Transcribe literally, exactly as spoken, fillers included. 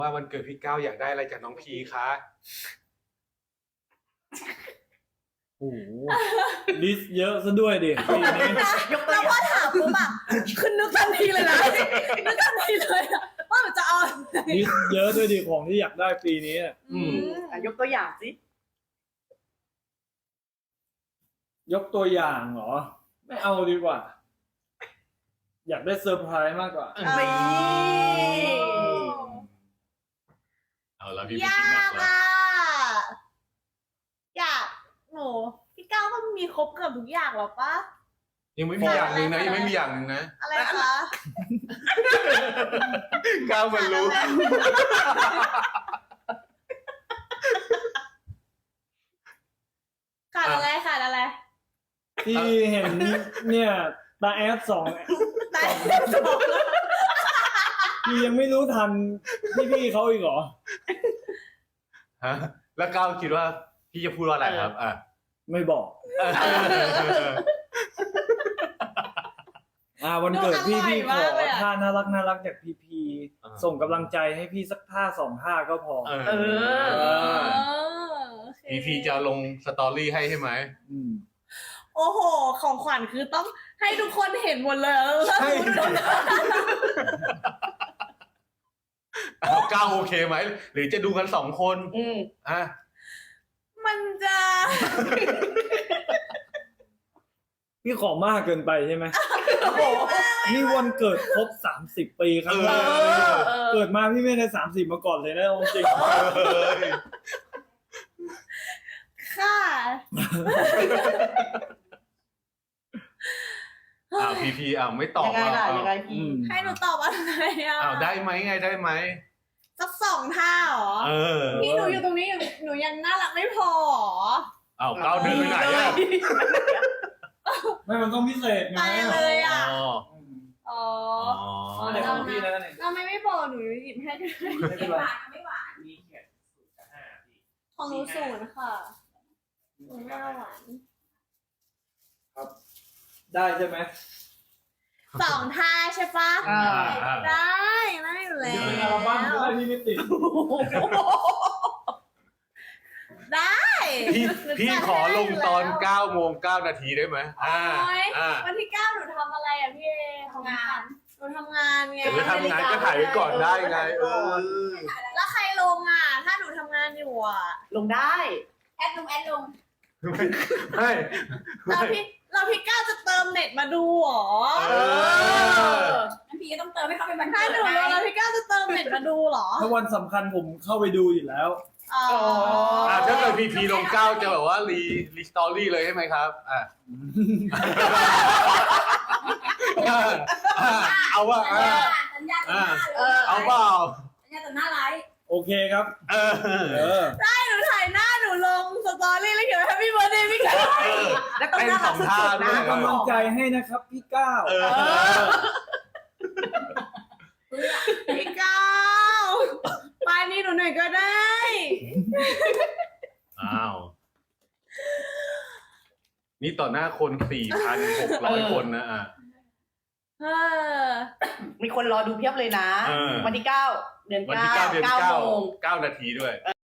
ว่าวันเกิดพี่ก้าวอยากได้อะไรจากน้องพีคะโอ้โหลิสต์เยอะซะด้วยดิปีนี้ยกแล้วพอถามปุ๊บอะคือนึกทันทีเลยนะนึกทันทีเลยอะว่ามันจะเอาลิสต์เยอะด้วยดิของที่อยากได้ปีนี้อืมยกตัวอย่างสิยกตัวอย่างเหรอไม่เอาดีกว่าอยากได้เซอร์ไพรส์มากกว่าเอาละพี่ยากอ่ะอยากหนูพี่ก้าวก็มีครบเกือบทุกอย่างหรอปะยังไม่มีอย่างหนึ่งนะยังไม่มีอย่างหนึ่งนะอะไรคะก้าวมันรู้ขาดอะไรขาดอะไรที่เห็นเนี่ยตาแอดสองตาแอดสองพี่ยังไม่รู้ทันพี่ๆเขาอีกเหรอฮะแล้วก้าวคิดว่าพี่จะพูดว่าอะไรครับอ่ะไม่บอกอ่าวันเกิดพี่พี่ขอท่าน่ารักน่ารักจากพีพีส่งกำลังใจให้พี่สักท่าสองท่าก็พอเออพีพีจะลงสตอรี่ให้ใช่ไหมโอ้โหของขวัญคือต้องให้ทุกคนเห็นหมดเลยใช่ก้าวโอเคไหมหรือจะดูกันสองคนอืมอ่ะมันจะพี่ขอมากเกินไปใช่ไหมนี่วันเกิดครบสามสิบปีครั้งแรกเกิดมาพี่ไม่เคยสามสิบมาก่อนเลยนะจริงค่ะอ้าวพีพีอ้าวไม่ตอบยังไงล่ะยังไงพีให้หนูตอบอะไรอ่ะอ้าวได้ไหมไงได้ไหมสักสองท่าหรอพี่หนูอยู่ตรงนี้หนูยังน่ารักไม่พออ้าวก้าวเดินไปไหนอ่ะไม่มันต้องพิเศษไงเลยอ่ะอ๋ออะไรของพี่นะเนี่ยเราไม่ไม่พอหนูหยิบให้ไม่หวานไม่หวานมีเขียนศูนย์กับห้าพี่ของหนูศูนย์ค่ะหนูไม่หวานครับได้ใช่ไหมสองท่าใช่ปะได้ได้อยู่แล้วเดี๋ยวในอัลบั้มได้พี่ไม่ติดได้พี่พี่ขอลงตอนเก้าโมงเก้านาทีได้ไหมอ่าอ่าวันที่เก้าหนูทำอะไรอ่ะพี่เอทำงานหนูทำงานไงหรือทำงานก็ถ่ายไว้ก่อนได้ไงเออแล้วใครลงอ่ะถ้าหนูทำงานอยู่อ่ะลงได้แอดลงแอดลงไม่เราพี่เราพี่ก้าวจะเติมเน็ตมาดูหรอเอองั้นพี่ก็ต้องเติมให้เขาเป็นบันทึกถ้าหนูลงแล้วพี่ก้าวจะเติมเน็ตมาดูหรอถ้าวันสำคัญผมเข้าไปดูอยู่แล้วอ๋อถ้าเกิดพีพีลงเก้าจะแบบว่ารีรีสตอรี่เลยใช่ไหมครับอ่ะเอาว่าอ่าเอาเปล่าสัญญาต่อหน้าไลฟ์โอเคครับเออได้หนูถ่ายหน้าหนูลงสตอรี่แล้วเขียนแฮปปี้เบิร์ธเดย์พี่ก้าวแล้วต้องน่ารักสุดๆนะกำลังใจให้นะครับพี่ก้าวพี่ก้าวไปนี่หนูหน่อยก็ได้อ้าวนี่ต่อหน้าคน สี่พันหกร้อย คนนะอ่ะมีคนรอดูเพียบเลยนะวันที่เก้าเดือนเก้าเก้าโมงเก้านาทีด้วย